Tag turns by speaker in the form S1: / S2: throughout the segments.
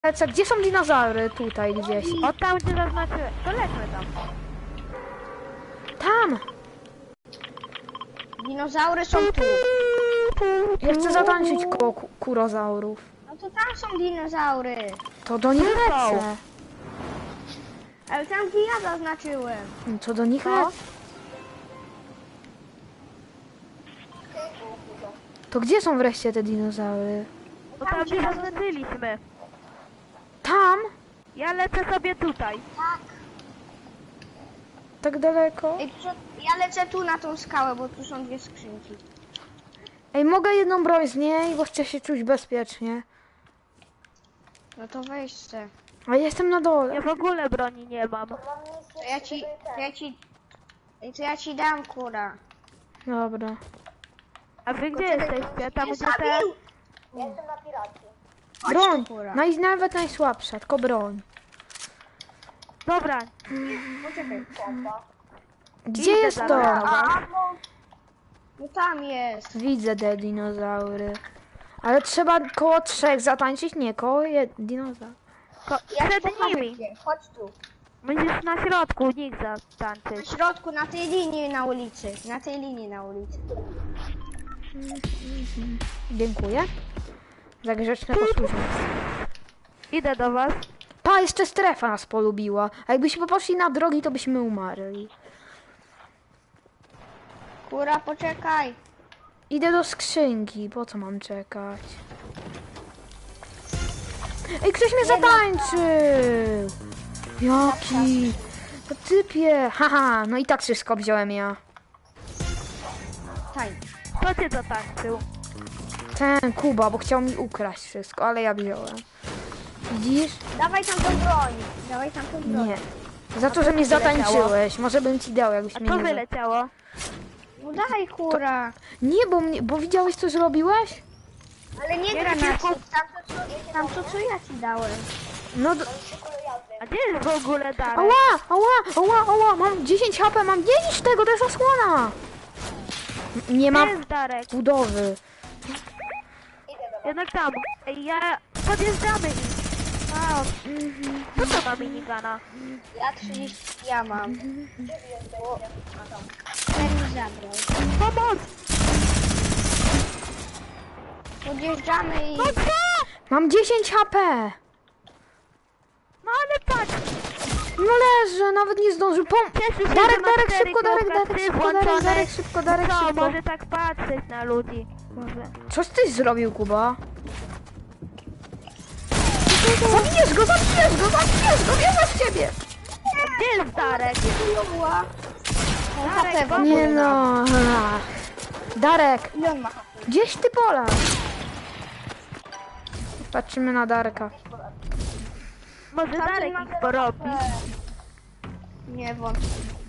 S1: lecę. Gdzie są dinozaury? Tutaj gdzieś.
S2: O, tam gdzie zaznaczyłem. To lećmy tam.
S1: Tam!
S3: Dinozaury są tu.
S1: Ja chcę zatańczyć koło kurozaurów.
S3: No to tam są dinozaury.
S1: To do nich lecę.
S3: Ale tam gdzie ja zaznaczyłem.
S1: To do nich lecę. To gdzie są wreszcie te dinozaury?
S2: Bo tam gdzie zaznaczyliśmy.
S1: Tam?
S2: Ja lecę sobie tutaj.
S3: Tak.
S1: Tak daleko?
S3: Ej, ja lecę tu na tą skałę, bo tu są dwie skrzynki.
S1: Ej, mogę jedną broń z niej, bo chcę się czuć bezpiecznie.
S3: No to weź se.
S1: A jestem na dole.
S2: Ja w ogóle broni nie mam.
S3: To ja ci dam, kura.
S1: Dobra.
S2: A wy gdzie jesteście? Tam gdzie te...
S4: Ja jestem na piracie.
S1: Broń!
S3: kura.
S1: Nawet najsłabsza, tylko broń.
S2: Dobra.
S3: Poczekaj.
S4: Pompa.
S1: Gdzie
S2: Idę
S1: jest
S2: za
S1: to?
S2: tobą.
S3: No tam jest.
S1: Widzę te dinozaury. Ale trzeba koło 3 zatańczyć, nie koło dinozaur.
S2: Przed
S3: Pochowaj
S2: nimi.
S3: się. Chodź tu.
S2: Będziesz na środku, nikt
S3: Na
S2: zatańczyć.
S3: środku, na tej linii na ulicy. Na tej linii na ulicy.
S1: Dziękuję. Za grzeczne posłuszeństwo.
S2: Idę do was.
S1: Pa, jeszcze strefa nas polubiła. A jakbyśmy poszli na drogi, to byśmy umarli.
S3: Kura, poczekaj.
S1: Idę do skrzynki, po co mam czekać? Ej, ktoś mnie zatańczył! Jaki? To typie! Haha, no i tak wszystko wziąłem ja.
S3: Tań.
S2: Kto cię zatańczył?
S1: Ten Kuba, bo chciał mi ukraść wszystko, ale ja wziąłem. Widzisz?
S3: Dawaj tam tą broń. Dawaj tam tą broń.
S1: Nie. Za to, że mnie zatańczyłeś. Może bym ci dał, jakbyś
S2: A
S1: mnie
S2: co
S1: nie...
S2: wyleciało?
S3: No daj, kura.
S1: Nie, bo widziałeś, co zrobiłeś?
S3: Ale nie
S2: Ja
S3: granaty.
S2: nie
S3: Tam to, co ja ci dałem.
S1: No...
S2: A gdzie jest w ogóle Darek?
S1: Ała, mam 10 HP, mam 10 tego, to jest osłona. Nie
S2: Gdzie
S1: mam
S2: jest Darek?
S1: budowy.
S2: Jednak tam. Ej, podjeżdżamy ich. A, co to ma minigana?
S3: Ja 30 ja mam. Ten mi zabrał.
S2: Pomoc!
S3: Podjeżdżamy i...
S2: No co?
S1: Mam 10 HP.
S2: No ale patrz!
S1: No leżę, nawet nie zdążył.
S2: Cieszę się,
S1: Darek,
S2: że ma
S1: Darek,
S2: 4
S1: szybko, Darek,
S2: kropka
S1: Darek,
S2: 3
S1: szybko,
S2: włączone.
S1: Darek, szybko, Darek,
S2: Co,
S1: szybko.
S2: może tak patrzeć na ludzi? Może.
S1: Coś ty zrobił, Kuba? Zabijesz go, wierzę w ciebie.
S2: Gdzie jest Darek? Darek, pomóż
S1: Nie
S2: nam.
S1: no. Darek,
S3: Ile on ma?
S1: gdzieś ty pola. Patrzymy na Darka.
S2: Może Darek ich porobi.
S3: Nie wątpię.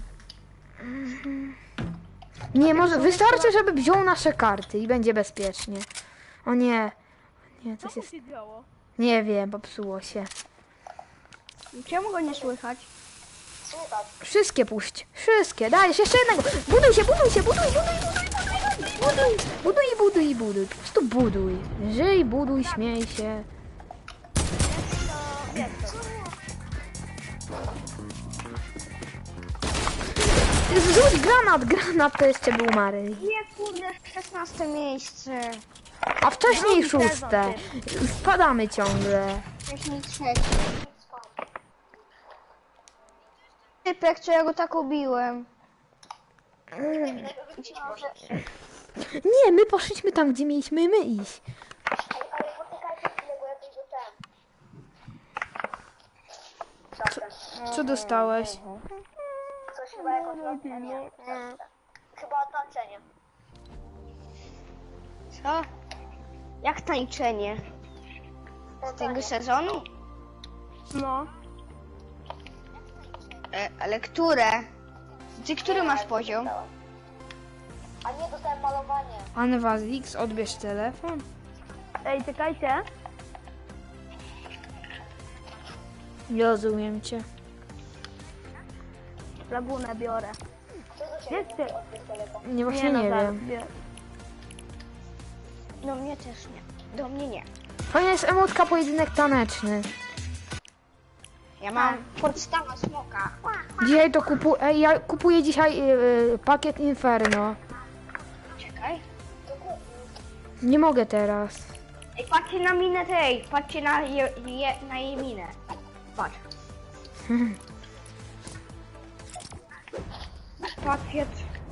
S1: Nie, może wystarczy, żeby wziął nasze karty i będzie bezpiecznie. O nie. Nie, coś jest...
S2: się działo?
S1: Nie wiem, popsuło się.
S3: Czemu go nie słychać?
S4: Słychać.
S1: Wszystkie puść. Wszystkie. Dajesz jeszcze jednego. Buduj się. Buduj. Po prostu buduj. Żyj, buduj, śmiej się. Rzuć granat to jeszcze był Mary.
S3: Nie, kurde, 16 miejsce.
S1: A wcześniej 6. Spadamy ciągle.
S3: Wcześniej 3. Typek, co ja go tak ubiłem.
S1: Nie, my poszliśmy tam, gdzie mieliśmy my iść.
S4: Ale poczekajcie chwilę, bo ja coś dostałem.
S1: Co dostałeś?
S4: Coś chyba jakoś... Nie. Chyba tańczenie.
S3: Co? Jak tańczenie? Z tego sezonu?
S2: No.
S3: Ale które? Ty który masz poziom?
S4: A nie, dostałem malowanie.
S1: Anwazix, odbierz telefon.
S2: Ej, czekajcie.
S1: Rozumiem cię.
S2: Lagunę biorę.
S4: Co do ciebie?
S2: Gdzie ty?
S1: Nie, właśnie nie wiem.
S3: Do mnie też nie. Do mnie nie.
S1: Fajna jest emotka pojedynek taneczny.
S3: Ja mam podstawę smoka.
S1: Dzisiaj to kupuję, ja kupuję dzisiaj pakiet Inferno.
S3: Czekaj.
S1: Nie mogę teraz.
S3: Ej, patrzcie na minę tej. Patrzcie na jej minę. Patrz. Pakiet.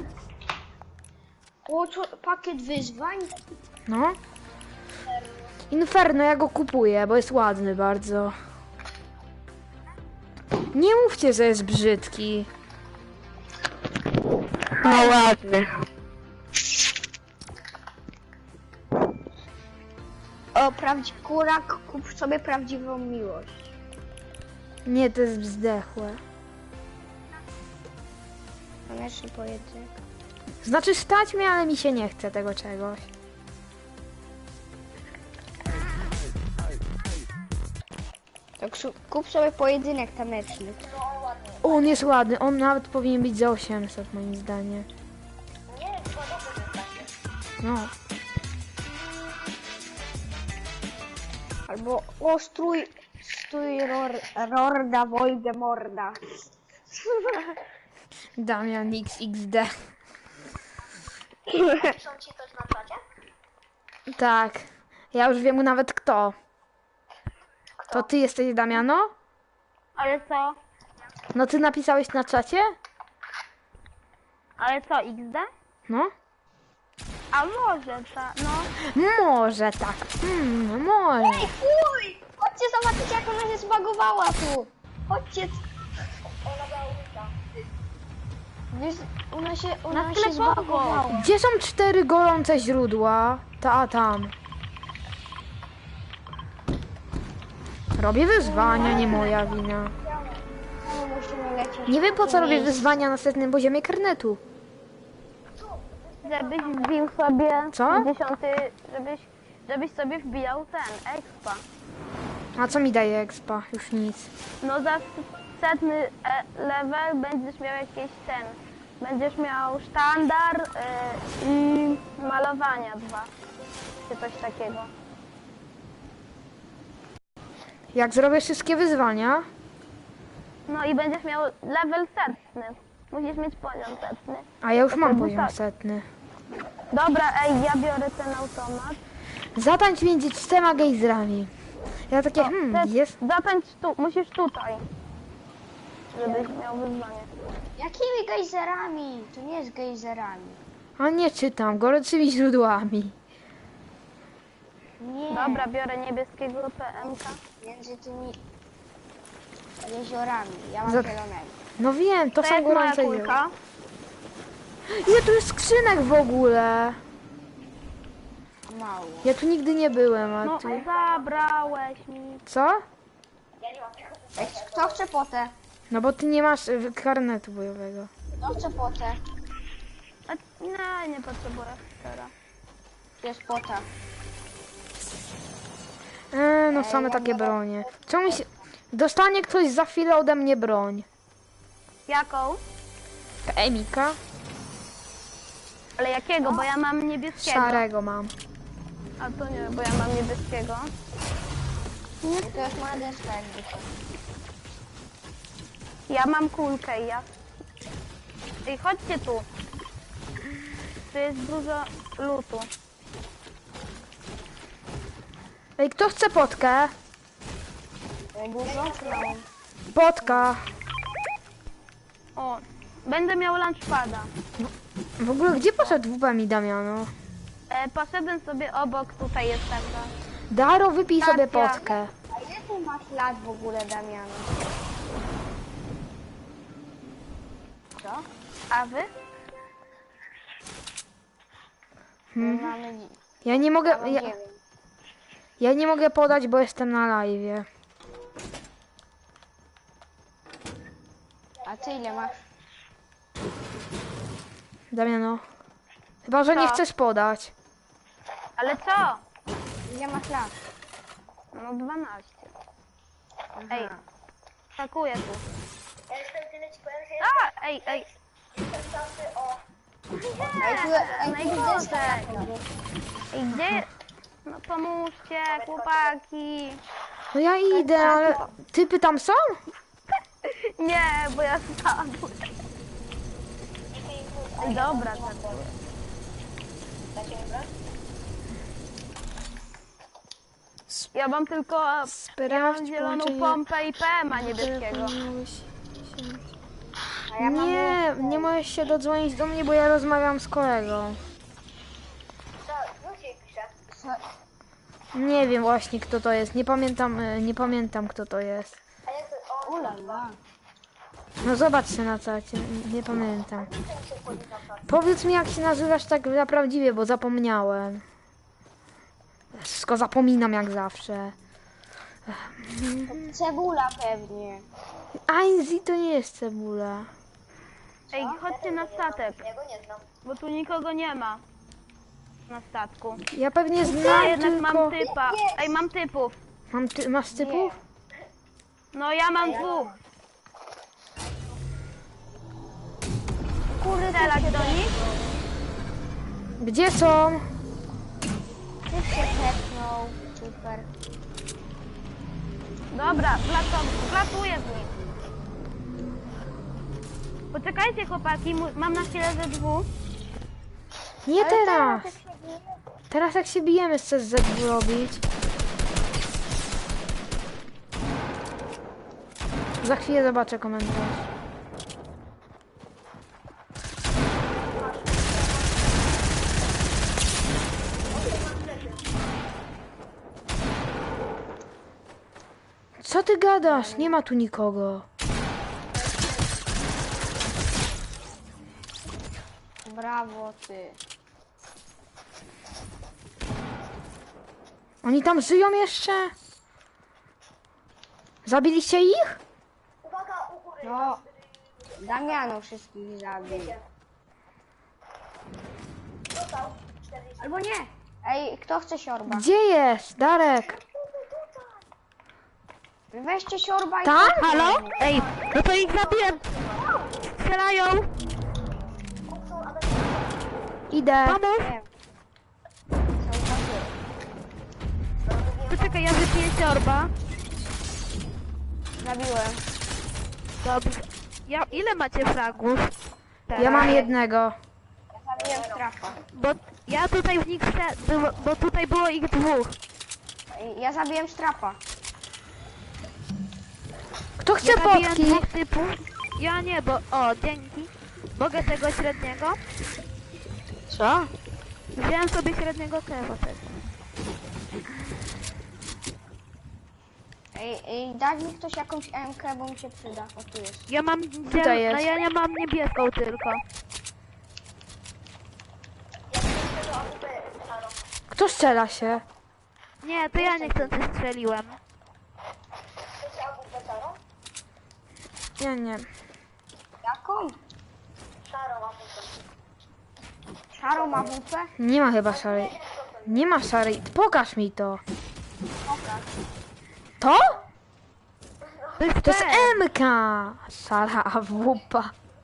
S3: O, pakiet wyzwań?
S1: No. Inferno, ja go kupuję, bo jest ładny bardzo. Nie mówcie, że jest brzydki.
S2: No ładny.
S3: O, kurak, kup sobie prawdziwą miłość.
S1: Nie, to jest zdechłe.
S3: Koniecznie pojedynek.
S1: Znaczy stać mnie, ale mi się nie chce tego czegoś.
S3: Tak, kup sobie pojedynek taneczny.
S1: O, on jest ładny, on nawet powinien być za 800 moim zdaniem.
S4: Nie, chyba dobrze jest takie.
S1: No.
S3: Albo o, strój Rorda Voldemorda.
S1: Damian XXD.
S4: Piszą ci coś na czacie?
S1: Tak. Ja już wiem nawet kto. To ty jesteś Damiano?
S2: Ale co?
S1: No ty napisałeś na czacie?
S2: Ale co, XD?
S1: No.
S2: A może ta, no.
S1: Może tak. Może.
S3: Ej, fuj! Chodźcie zobaczyć, jak ona się zbagowała tu. Chodźcie.
S4: Ona miała ulta.
S3: Ona się
S2: sklepowo.
S3: zbagowała.
S1: Gdzie są 4 gorące źródła? Tam. Robię wyzwania, nie moja wina.
S3: No, musimy lecieć.
S1: Nie wiem po co robię
S3: Miejsce.
S1: wyzwania na setnym poziomie karnetu.
S2: Żebyś wbił sobie
S1: Co?
S2: 10, żebyś sobie wbijał ten, expa.
S1: A co mi daje expa? Już nic.
S2: No za setny level będziesz miał jakieś ten, będziesz miał sztandar i malowania 2, czy coś takiego.
S1: Jak zrobię wszystkie wyzwania,
S2: No i będziesz miał level setny. Musisz mieć poziom setny.
S1: a ja już mam
S2: wtedy
S1: poziom
S2: tak.
S1: setny.
S2: Dobra, ej, ja biorę ten automat.
S1: Zatańcz między 4 gejzrami. Ja takie, jest.
S2: Zatańcz tu, musisz tutaj. Żebyś miał wyzwanie.
S3: Jakimi gejzerami? To nie jest gejzerami.
S1: A nie czytam, gorącymi źródłami.
S3: Nie.
S2: Dobra, biorę niebieskiego PMK.
S3: Między tymi jeziorami. Ja mam
S1: Za-
S3: zielonego.
S1: No wiem, to
S2: To
S1: są
S2: jest moja
S1: gorące źródła.
S2: kulka.
S1: Ile tu jest skrzynek w ogóle?
S3: Mało.
S1: Ja tu nigdy nie byłem, a
S2: No,
S1: tu...
S2: zabrałeś mi.
S1: Co?
S4: Ja nie mam tego.
S3: Ej, kto chce potę?
S1: No bo ty nie masz karnetu bojowego.
S3: Kto chce potę?
S2: A, nie potrzebuję teraz.
S3: Jest pota.
S1: No same takie bronie. Czemu się... Dostanie ktoś za chwilę ode mnie broń.
S2: Jaką?
S1: Emika?
S2: Ale jakiego? Bo ja mam niebieskiego.
S1: Szarego mam.
S2: A to nie, bo ja mam niebieskiego.
S3: I to jest moja deska jakby to.
S2: Ja mam kulkę i ja... Ej, chodźcie tu. Tu jest dużo lutu.
S1: Ej, kto chce potkę?
S3: Dużo czy mało?
S1: Potka.
S2: O, będę miał lunchpada.
S1: W ogóle gdzie poszedł WP mi Damiano?
S2: Poszedłem sobie obok, tutaj jest taka.
S1: Daro, wypij sobie
S2: Stacja.
S1: potkę.
S3: A ile ty masz lat w ogóle, Damiano? Co?
S2: A wy?
S3: Mamy
S1: Ja nie mogę... Ja,
S3: 9.
S1: ja nie mogę podać, bo jestem na live.
S3: A ty ile masz?
S1: Damiano. Chyba, że nie
S2: Co?
S1: chcesz podać.
S2: Ale co?
S3: Ile masz lat?
S2: No 12. Ej, skakuję tu.
S4: Ja jestem tyle ci powiem, że
S2: A, ej.
S4: jestem czasy o...
S3: Ej, tu jest deska.
S2: Ej, gdzie? No pomóżcie, chłopaki.
S1: No ja idę, ale typy tam są?
S2: Nie, bo ja spadłem. Ej, dobra, tak.
S4: Dacie mi broń?
S2: Ja mam tylko
S1: Sprawdź
S2: zieloną
S1: połączenie
S2: pompę i PM-a niebieskiego.
S1: telefonu.
S3: A ja mam
S1: Nie możesz się dodzwonić do mnie, bo ja rozmawiam z kolegą.
S4: Co? Już jej piszę.
S1: Nie wiem właśnie kto to jest, nie pamiętam kto to jest.
S4: A jak to... O,
S3: Ulala.
S1: No zobaczcie na czacie, nie pamiętam. Powiedz mi jak się nazywasz tak na prawdziwie, bo zapomniałem. Wszystko zapominam jak zawsze.
S3: Cebula pewnie.
S1: Ainzi to nie jest cebula.
S2: Ej, chodźcie na statek,
S4: ja go nie znam.
S2: bo tu nikogo nie ma. Na statku.
S1: Ja pewnie
S2: Ja
S1: znam
S2: jednak
S1: tylko...
S2: mam typa. Ej, mam typów.
S1: Masz typów?
S2: No ja mam dwóch.
S3: Kurde,
S2: Strzelać do nich?
S1: Gdzie są?
S3: typ się tepnął. Super.
S2: Dobra, wlatuję z nich. Poczekajcie chłopaki, mam na chwilę ze dwóch.
S1: Nie teraz. Teraz jak się bijemy chcesz Z2 robić. Za chwilę zobaczę komentarz. Co ty gadasz? Nie ma tu nikogo.
S3: Brawo ty.
S1: Oni tam żyją jeszcze? Zabiliście ich?
S4: Uwaga, u góry.
S3: No. Damianu wszystkich zabił.
S4: Dostał. 40.
S3: Albo nie. Ej, kto chce siorba?
S1: Gdzie jest? Darek?
S3: Weźcie siorba i...
S1: Tam?
S2: Halo? Ej, no to ich zabiłem. Strzelają.
S1: Idę.
S2: Pomóż.
S3: Nie. Są takie.
S2: Poczekaj, ja wypiję siorba.
S3: Zabiłem.
S2: Dobrze. Ile macie fragów?
S1: Ja mam jednego.
S3: Ja zabiłem strafa.
S2: Bo ja tutaj w nich bo tutaj było ich dwóch.
S3: Ej, ja zabiłem strapa.
S1: Kto chce
S2: Zabiłem
S1: potki?
S2: dwóch typów. Ja nie, bo... O, dzięki. Mogę tego średniego?
S1: Co?
S2: Wziąłem sobie średniego kewa też.
S3: Ej, daj mi ktoś jakąś MK, bo mi się przyda. O, tu jest.
S2: Ja mam...
S1: Tutaj jest.
S2: A ja nie mam niebieską tylko.
S1: Kto strzela się?
S2: Nie, to ja niechcący strzeliłem.
S4: Chcecie AWP szarą?
S1: Ja nie.
S3: Jaką?
S4: Szarą AWP.
S3: Szarą AWP?
S1: Nie ma chyba szarej. Nie ma szarej. Pokaż mi to. To? To jest MK. Szara AWP.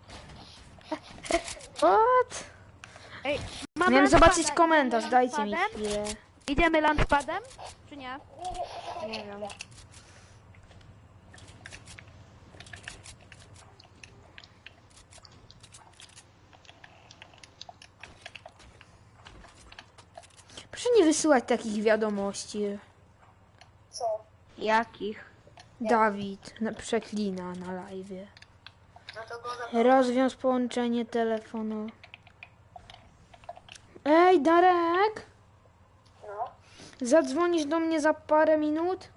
S1: What?
S2: Ej, mam
S1: Miałem zobaczyć
S2: launchpada.
S1: komentarz,
S2: Idziemy
S1: dajcie mi
S2: launchpadem?
S1: chwilę.
S2: Idziemy launchpadem? Czy nie?
S3: Nie wiem.
S1: Proszę nie wysyłać takich wiadomości.
S4: Co?
S3: Jakich?
S1: Dawid przeklina na live.
S4: No to go
S1: Rozwiąż połączenie telefonu. Ej, Darek!
S4: No.
S1: Zadzwonisz do mnie za parę minut?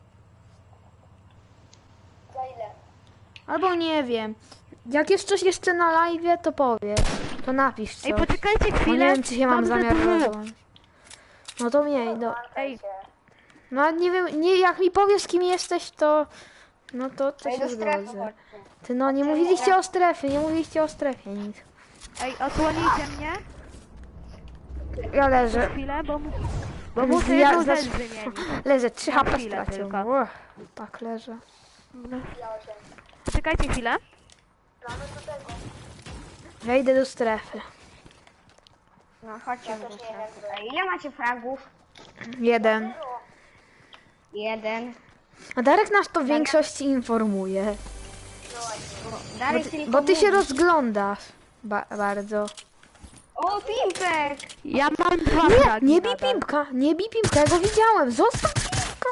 S4: Za ile?
S1: Albo nie wiem. Jak jest coś jeszcze na live, to powiedz. To napisz coś.
S2: Ej, poczekajcie
S1: Bo nie
S2: chwilę.
S1: wiem, czy się mam
S2: ze
S1: zamiar
S2: dwóch.
S1: rozłączyć. No to miej.
S2: Ej,
S1: No a nie wiem, nie, jak mi powiesz kim jesteś, to... No to
S3: Ej,
S1: się
S3: do strefy
S1: zgodzę.
S3: chodźcie.
S1: Ty no, nie mówiliście o strefie, nie mówiliście o strefie nic.
S2: ej, osłonijcie mnie
S1: Ja leżę.
S2: chwilę, bo muszę
S1: Ja
S2: jedną rzecz
S1: zacz-
S2: wymienić.
S1: Leżę, 3 HP
S2: chwilę
S1: straciłem.
S2: tylko.
S1: Tak leżę.
S2: Poczekajcie chwilę.
S4: Mamy do tego.
S1: Ja idę do strefy.
S3: No, chodźcie do strefy. Ej, ile macie fragów?
S1: 1.
S3: 1.
S1: A Darek nas to w większości informuje.
S3: Darek tylko
S1: Bo ty się
S3: mówi.
S1: rozglądasz bardzo.
S3: O, Pimpek!
S5: Ja mam dwa
S1: Nie,
S5: fragi
S1: nie bij
S5: nadal.
S1: Pimpka, nie bij Pimpka, ja go widziałem. Zostaw Pimpka.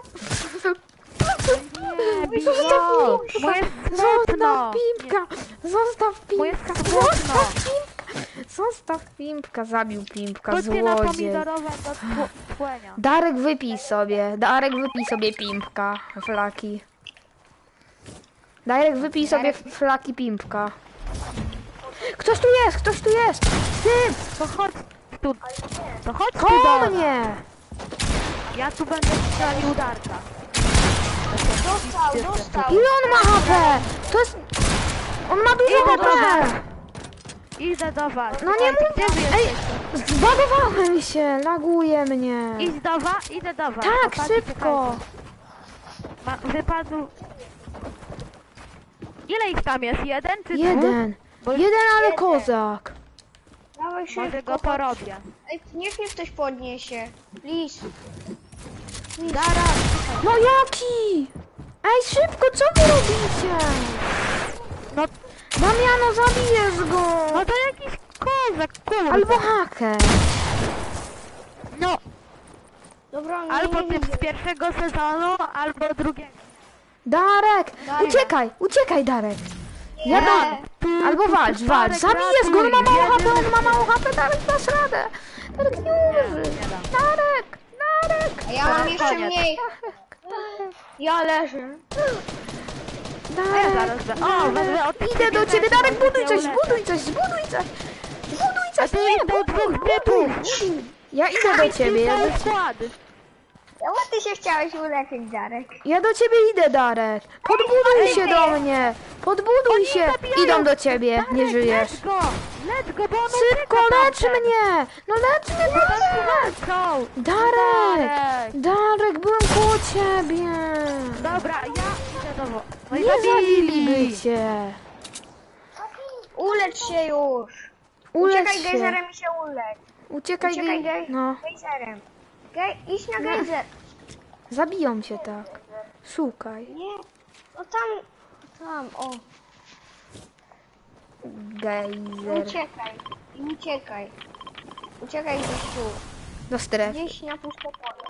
S5: Nie, bij
S1: Zostaw
S5: go.
S1: Pimpka.
S5: Moje
S1: Zostaw
S5: smutno.
S1: Pimpka. Zostaw
S5: Moje
S1: Pimpka.
S5: smutno.
S1: Zostaw Pimpka. Zostaw Pimpka. Zabił Pimpka,
S5: Chodźcie na
S1: złodziej.
S5: pomidorowe do tłenia.
S1: Darek wypij sobie Pimpka, flaki. Darek wypij sobie flaki Pimpka. Ktoś tu jest! Ty!
S5: To chodź tu. To chodź tu
S1: Koło
S5: do
S1: mnie!
S5: Ja tu będę strzelił Darka.
S3: Dostał!
S1: Ile on ma HP? To jest... On ma dużo
S5: Idę do
S1: HP!
S5: was. Idę do was.
S1: No nie mów...
S5: Gdzie wy
S1: Ej!
S5: jesteście?
S1: Zbagowałem się! Laguje mnie!
S5: Idź do was? Idę do was.
S1: Tak,
S5: Chłopaki,
S1: szybko!
S5: czekajcie. Wypadł... Ile ich tam jest? Jeden czy dwóch?
S1: Jeden! Jeden, ale kozak!
S3: Dawaj
S5: Może
S3: szybko.
S5: go porobię.
S3: Ej, niech mnie ktoś podniesie. Please.
S5: Zaraz.
S1: No jaki? Ej, szybko, co wy robicie?
S5: No,
S1: Damiano, zabijesz go!
S5: no to jakiś kozak, kurde.
S1: Albo haker!
S5: No,
S3: Dobra, nie,
S5: albo
S3: nie
S5: typ
S3: widzę.
S5: z pierwszego sezonu, albo drugiego.
S1: Darek!
S3: Darek.
S1: Uciekaj Darek! Ja
S3: Nie.
S1: Albo walcz, zabijesz go, on ma mało HP, Darek, dasz radę! Darek, nie umrze! Darek!
S3: A ja mam jeszcze
S5: Koniec.
S3: mniej. Ja leżę.
S5: Ja
S1: Darek!
S5: zaraz będę. O, będę od
S1: Idę do ciebie, Darek, buduj coś,
S5: ulecę.
S1: buduj coś, zbuduj coś! Zbuduj coś,
S5: tu
S1: nie,
S5: idą dwóch
S1: buduj!
S5: typów.
S1: Ja idę do ciebie,
S5: Cały skład.
S3: Czemu ty się chciałeś uleczyć, Darek?
S1: ja do ciebie idę, Darek! Podbuduj się do mnie! Podbuduj się!
S5: zabijają.
S1: Idą do ciebie, nie
S5: Darek,
S1: żyjesz!
S5: Let's go, bo on
S1: Szybko,
S5: ucieka
S1: lecz
S5: tamten.
S1: mnie! No lecz mnie, Darek!
S5: Go.
S1: Darek!
S5: Darek.
S1: Darek, byłem koło ciebie!
S5: Dobra, ja idę do wo- No i
S1: Nie zabiliby cię!
S3: Ulecz się już.
S1: Ulecz
S3: Uciekaj
S1: się!
S3: gejzerem i się ulecz.
S1: Uciekaj,
S3: Uciekaj
S1: no.
S3: gejzerem. Idź na gejzer.
S1: Zabiją cię tak. Szukaj.
S3: Nie. No tam, o.
S1: Gejzer.
S3: Uciekaj. Uciekaj gdzieś tu.
S1: Do strefy.
S3: Gdzieś na puste pole.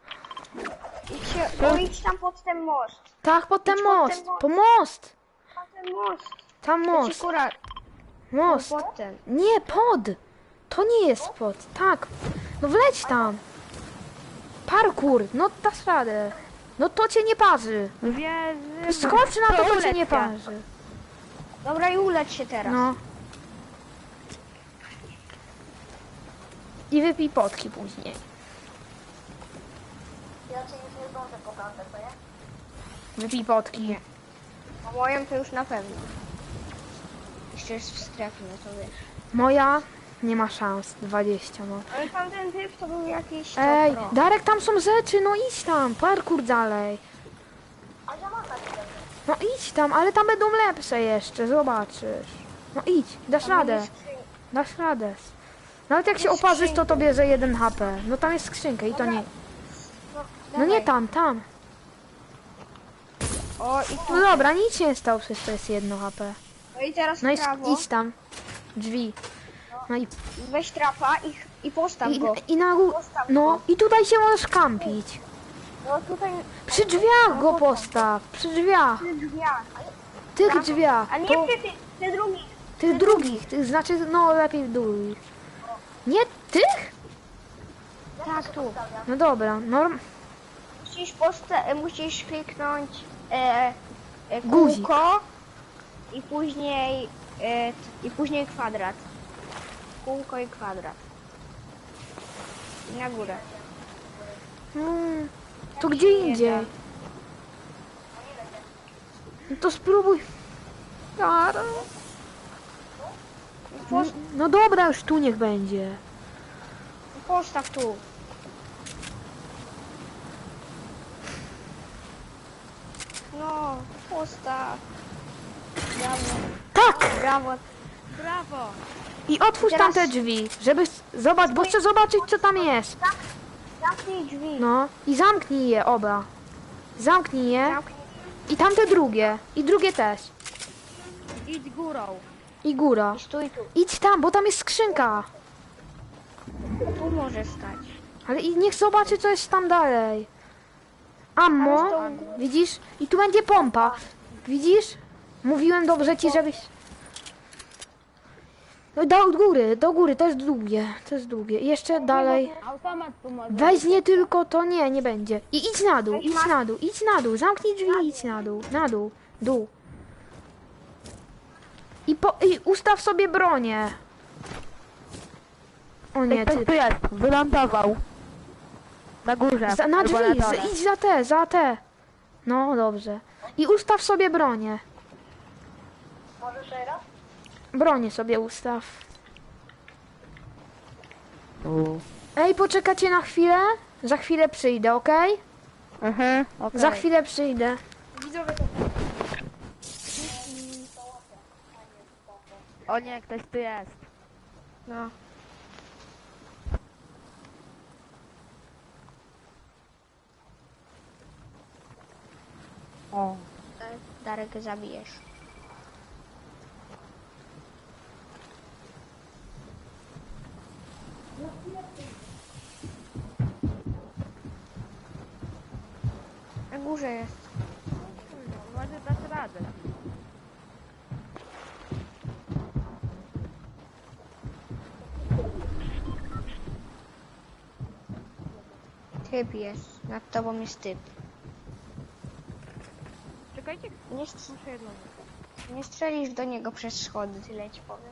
S3: Idź tam pod ten most.
S1: Tak, pod ten
S3: Idź pod
S1: most.
S3: ten most.
S1: Po most.
S3: Pod ten most.
S1: Tam
S3: To ci
S1: most.
S3: kura.
S1: Most.
S3: Pod ten.
S1: Nie, pod. To nie jest pod. Tak. No wleć tam. Parkour. No dasz radę. No to cię nie parzy.
S5: Wierzy.
S1: Skocz na to, to cię
S5: ulecz
S1: nie
S5: się.
S1: parzy.
S3: Dobra, i ulecz się teraz.
S1: No. I wypij potki później.
S4: Ja cię już nie zdążę po prawdę, co nie?
S1: Wypij potki.
S3: A moją to już na pewno. Jeszcze jest w strefie, no to wiesz.
S1: Moja nie ma szans. 20 no.
S3: Ale tamten typ to był jakiś
S1: Ej,
S3: pro.
S1: Darek, tam są rzeczy, no idź tam. Parkour dalej.
S4: A ja mam taki jeden.
S1: No idź tam, ale tam będą lepsze jeszcze, zobaczysz. No idź, dasz radę. Dasz radę. Nawet jak się
S3: Jest
S1: oparzysz, to
S3: skrzynka.
S1: to bierze 1 HP. No tam jest skrzynka i to nie. No nie tam, tam.
S3: O, i tu.
S1: No dobra, nic się nie stało, przecież to jest 1 HP.
S3: No i teraz
S1: No i
S3: w prawo.
S1: idź tam. Drzwi. No i,
S3: Weź trapa i postaw go.
S1: i na górę. No i tutaj się możesz kampić.
S3: No tutaj
S1: Przy drzwiach go postaw. Przy drzwiach.
S3: przy drzwiach.
S1: Tych drzwiach.
S3: A nie
S1: To,
S3: ty drugi.
S1: tych drugich. Tych, znaczy, no lepiej drugich. Nie tych?
S3: Tak, tu.
S1: No dobra,
S3: Musisz kliknąć
S1: Guzik.
S3: kółko i później kwadrat. Kółko i kwadrat. I na górę.
S1: To gdzie indziej? No to spróbuj. Dara. No dobra, już tu niech będzie.
S3: Postaw tu. No, postaw. Brawo,
S1: Tak!
S3: brawo.
S5: Brawo.
S1: I otwórz
S3: Teraz-
S1: tam te drzwi, żeby... Zobacz, bo chcę zobaczyć, co tam jest.
S3: Zamknij drzwi.
S1: No. I zamknij je oba. Zamknij je. I tamte drugie. I drugie też.
S5: Idź górą.
S1: I góra.
S3: Stój tu.
S1: Idź tam, bo tam jest skrzynka.
S3: Tu może stać.
S1: Ale i niech zobaczy, co jest tam dalej. Ammo. Widzisz? I tu będzie pompa. Widzisz? Mówiłem dobrze ci, żebyś... No do góry, to jest długie. To jest długie. I jeszcze dalej.
S2: Automat tu może.
S1: Weź nie tylko to, nie będzie. I idź na dół, idź na dół, idź na dół. Zamknij drzwi i idź na dół. Na dół. Dół. I ustaw sobie bronię. O nie,
S5: Ktoś
S1: ty.
S5: tu jest, wylądował. Na górze.
S1: Na
S5: albo
S1: drzwi,
S5: na dole.
S1: idź za te. No dobrze. I ustaw sobie bronię.
S4: Możesz teraz?
S1: Bronię sobie ustaw.
S5: U.
S1: Ej, poczekacie na chwilę? Za chwilę przyjdę, okej?
S5: Okej.
S1: Za chwilę przyjdę.
S5: O nie, ktoś tu jest.
S3: No.
S5: O.
S3: Darek, zabijesz. Na górze jest.
S5: Może dać radę.
S3: Typ jest. Nad tobą jest typ.
S5: Czekajcie,
S3: Nie,
S5: muszę jedną.
S3: nie strzelisz do niego przez schody, tyle ci powiem.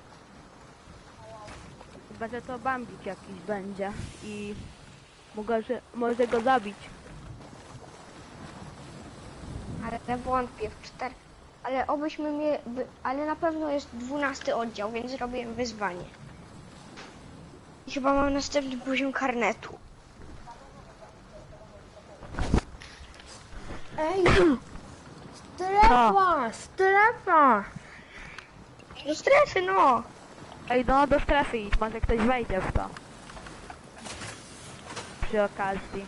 S5: Chyba, że to bambik jakiś będzie i może go zabić.
S3: Ale wątpię w 4. Ale obyśmy mieli. Ale na pewno jest 12 oddział, więc zrobiłem wyzwanie. I chyba mam następny poziom karnetu.
S1: Ej! Strefa!
S3: Do strefy, no!
S5: Ej, no do strefy idź, może ktoś wejdzie w to. Przy okazji.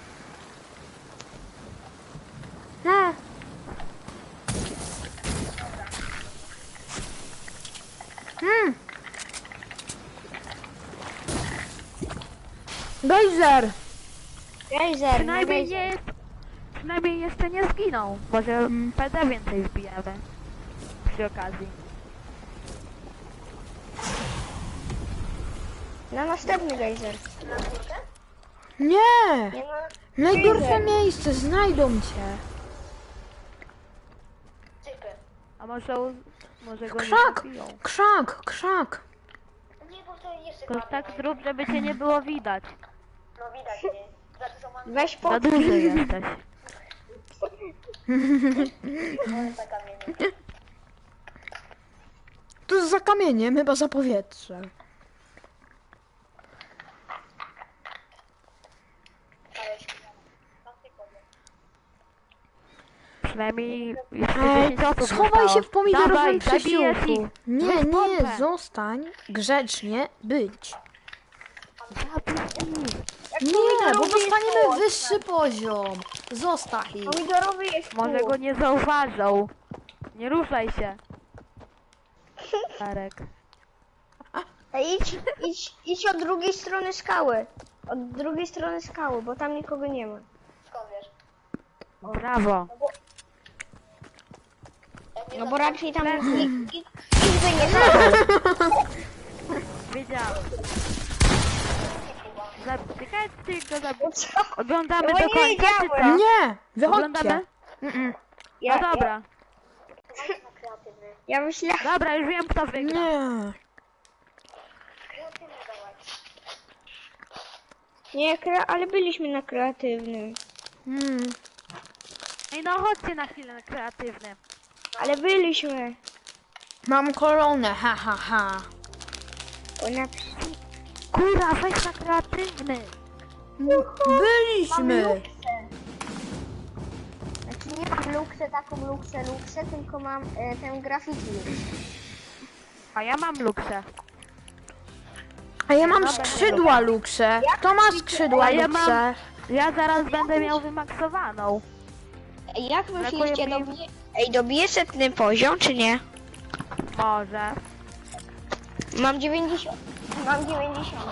S1: No. Gejzer!
S3: Gejzer,
S5: Przynajmniej nie jest... Przynajmniej jeszcze nie zginął. Może PD więcej wbijemy. Przy okazji.
S3: Na następny gejzer.
S1: Nie!
S3: Nie ma...
S1: Najgorsze miejsce, znajdą cię.
S4: Typy.
S5: A może go nie
S1: Krzak!
S5: zabiją.
S1: Krzak!
S4: Nie, bo to jest
S5: Tylko tak zrób, żeby cię nie było widać.
S4: No widać mnie. Za dużo mam
S3: Weź po...
S5: Za duży jesteś.
S4: za kamienie.
S1: Tu jest za kamieniem, chyba za powietrze.
S5: Przynajmniej jeszcze 10 osób
S1: Schowaj się w
S5: zostało.
S1: pomidorowym
S5: Dawaj, zabijesz
S1: przesiłku.
S5: ich.
S1: Nie,
S5: Weź
S1: nie,
S5: pompę.
S1: zostań grzecznie być. Nie, bo
S3: pomidorowy jest
S1: dostaniemy
S3: ostry.
S1: wyższy poziom. Zostaw ich.
S3: Pomidorowy jest
S5: Może
S3: tu.
S5: go nie zauważą. Nie ruszaj się. Darek.
S3: Ej, idź od drugiej strony skały. Od drugiej strony skały, bo tam nikogo nie ma.
S4: Skąd wiesz?
S5: Brawo.
S3: No bo raczej tam nikt by nie stał.
S5: Wiedziałem. Czekajcie, go zabiję.
S3: Co?
S5: Oglądamy
S3: No
S5: do
S3: nie
S5: końca, czy co?
S3: wiedziałem.
S1: Nie, wychodźcie.
S5: Oglądamy?
S3: Ja,
S5: No dobra.
S4: Na kreatywny.
S3: ja myślałem...
S5: Dobra, już wiem kto wygra.
S1: Nie.
S4: Kreatywny dawaj.
S3: Nie, ale byliśmy na kreatywnym.
S5: Ej, no chodźcie na chwilę na kreatywny.
S3: Ale byliśmy.
S1: Mam koronę, ha ha ha.
S3: Bo na...
S5: Kurwa, weź na kreatywny.
S1: Byliśmy.
S3: Znaczy nie mam luksę, taką luksę, tylko mam tę graffiti.
S5: A ja mam luksę.
S1: A ja mam skrzydła luksze. Kto ma skrzydła
S5: A ja
S1: luksze?
S5: mam... Ja zaraz będę miał wymaksowaną.
S3: Ej, jak myślicie,
S5: mi-
S3: dobiję 100 poziom, czy nie?
S5: Może.
S3: Mam 90. Mam 90.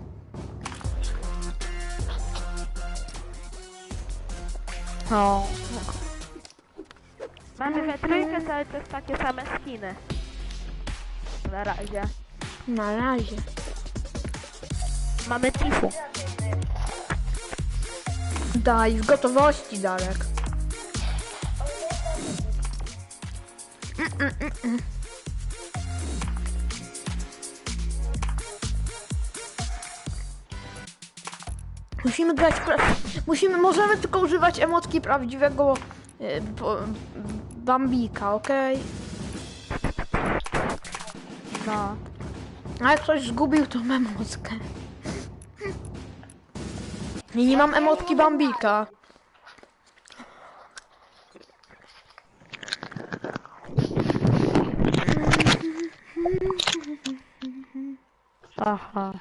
S5: No. Mamy we trójkę cały czas takie same skiny. Na razie.
S1: Na razie.
S5: Mamy Tifu.
S1: Daj, w gotowości, Darek. Musimy grać. Możemy tylko używać emotki prawdziwego Bambika, okej?
S5: No.
S1: A jak ktoś zgubił tą emotkę. I nie mam emotki Bambika.
S5: Aha.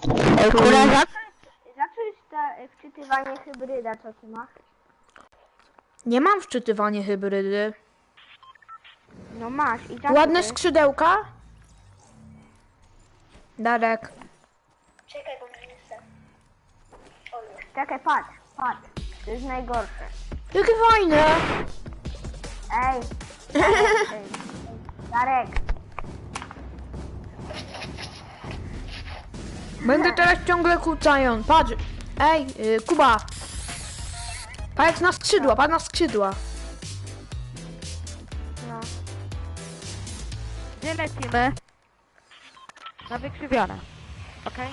S3: Zacząć wczytywanie hybryda, co ty masz?
S1: Nie mam wczytywanie hybrydy.
S3: No masz i tak.
S1: Ładne skrzydełka? Darek.
S4: Czekaj, bo mnie nie chce.
S3: Czekaj, patrz. To jest najgorsze.
S1: Jakie fajne!
S3: Ej. Darek.
S1: Będę teraz ciągle kucając. Patrz. Ej, Kuba. Patrz na skrzydła, patrz na skrzydła.
S3: No.
S5: Gdzie lecimy? Na wykrzywione. Okej?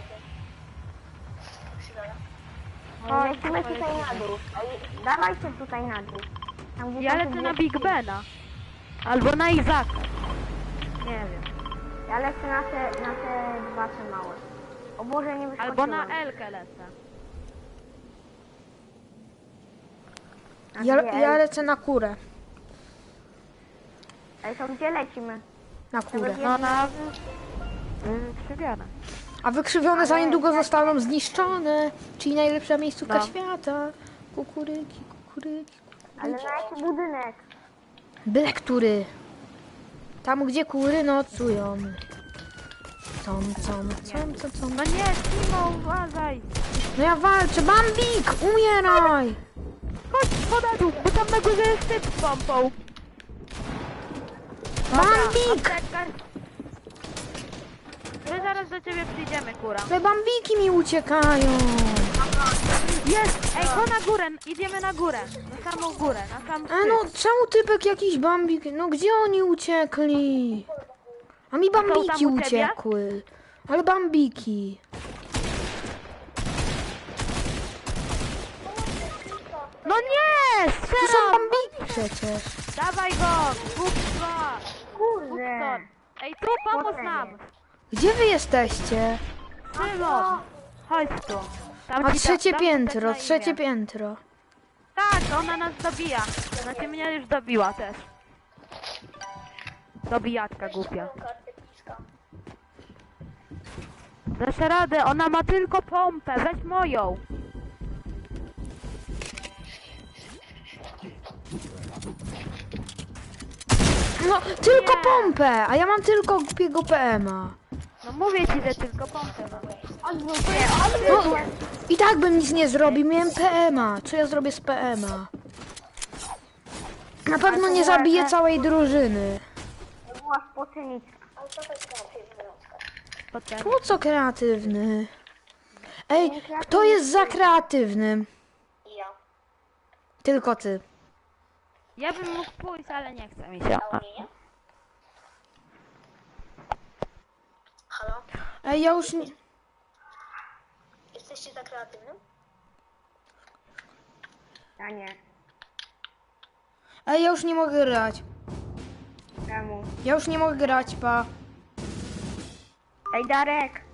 S3: Lecimy tutaj na dół. Ej, dawajcie tutaj na dół. Tam, gdzie
S5: Ja
S3: są te
S5: lecę na
S3: dwie-
S5: Big Bena. Albo na Izaka. Nie wiem.
S3: Ja lecę na te dwa te małe. O Boże, nie wyskoczyłem.
S5: Albo na Elkę lecę.
S1: Ja lecę na kurę.
S3: Ej, to gdzie lecimy?
S1: Na kurę.
S5: No na wykrzywione.
S1: A wykrzywione za niedługo zostaną zniszczone. Czyli najlepsza miejscówka
S5: No.
S1: świata. Kukuryki.
S3: Ale na jaki budynek?
S1: Byle który. Tam gdzie kury nocują. Com.
S5: No nie, Timo, uważaj!
S1: No ja walczę. Bambik! Umieraj!
S5: Chodź, na dół, bo tam na górze jest typ z pompą.
S1: Bambik!
S5: Apteczka. My zaraz do ciebie przyjdziemy, kura.
S1: Te bambiki mi uciekają.
S5: Jest! Ej, go na górę, idziemy na górę. Na samą górę, na sam
S1: A
S5: szczyt.
S1: no, czemu typek jakiś bambik? No gdzie oni uciekli? A mi bambiki
S5: tam u ciebie?
S1: uciekły. Ale bambiki.
S5: No nie!
S1: To są
S5: Strzelam!
S1: bambiki przecież.
S5: Dawaj go! Bóg-2!
S3: Kurde.
S5: Ej, tu pomóż nam!
S1: Gdzie wy jesteście?
S5: Szymon! Chodź tu. Tam
S1: A
S5: ci
S1: trzecie
S5: dam
S1: piętro,
S5: na imię.
S1: trzecie piętro.
S5: Tak, ona nas dobija. Znaczy mnie już dobiła też. Dobijaczka głupia.
S4: Karty piska.
S5: Dasz radę, ona ma tylko pompę, weź moją.
S1: No, tylko
S5: Nie.
S1: pompę, a ja mam tylko głupiego PM-a.
S5: No mówię ci, że tylko pompę ma.
S1: No, i tak bym nic nie zrobił, miałem PM-a. Co ja zrobię z PM-a? Na pewno nie zabiję całej drużyny.
S3: To była spoczynica.
S4: Ale co to jest kreatywny Oskar?
S5: Potem.
S1: Po co kreatywny? Ej, kto jest za kreatywnym?
S4: I ja.
S1: Tylko ty.
S5: Ja bym mógł pójść, ale nie chce mi się.
S4: A mnie nie? Halo?
S1: Ej, ja już nie...
S4: Jesteście tak kreatywnym?
S3: Ja nie.
S1: Ej, ja już nie mogę grać.
S3: Czemu?
S1: Ja już nie mogę grać, pa.
S3: Ej, Darek.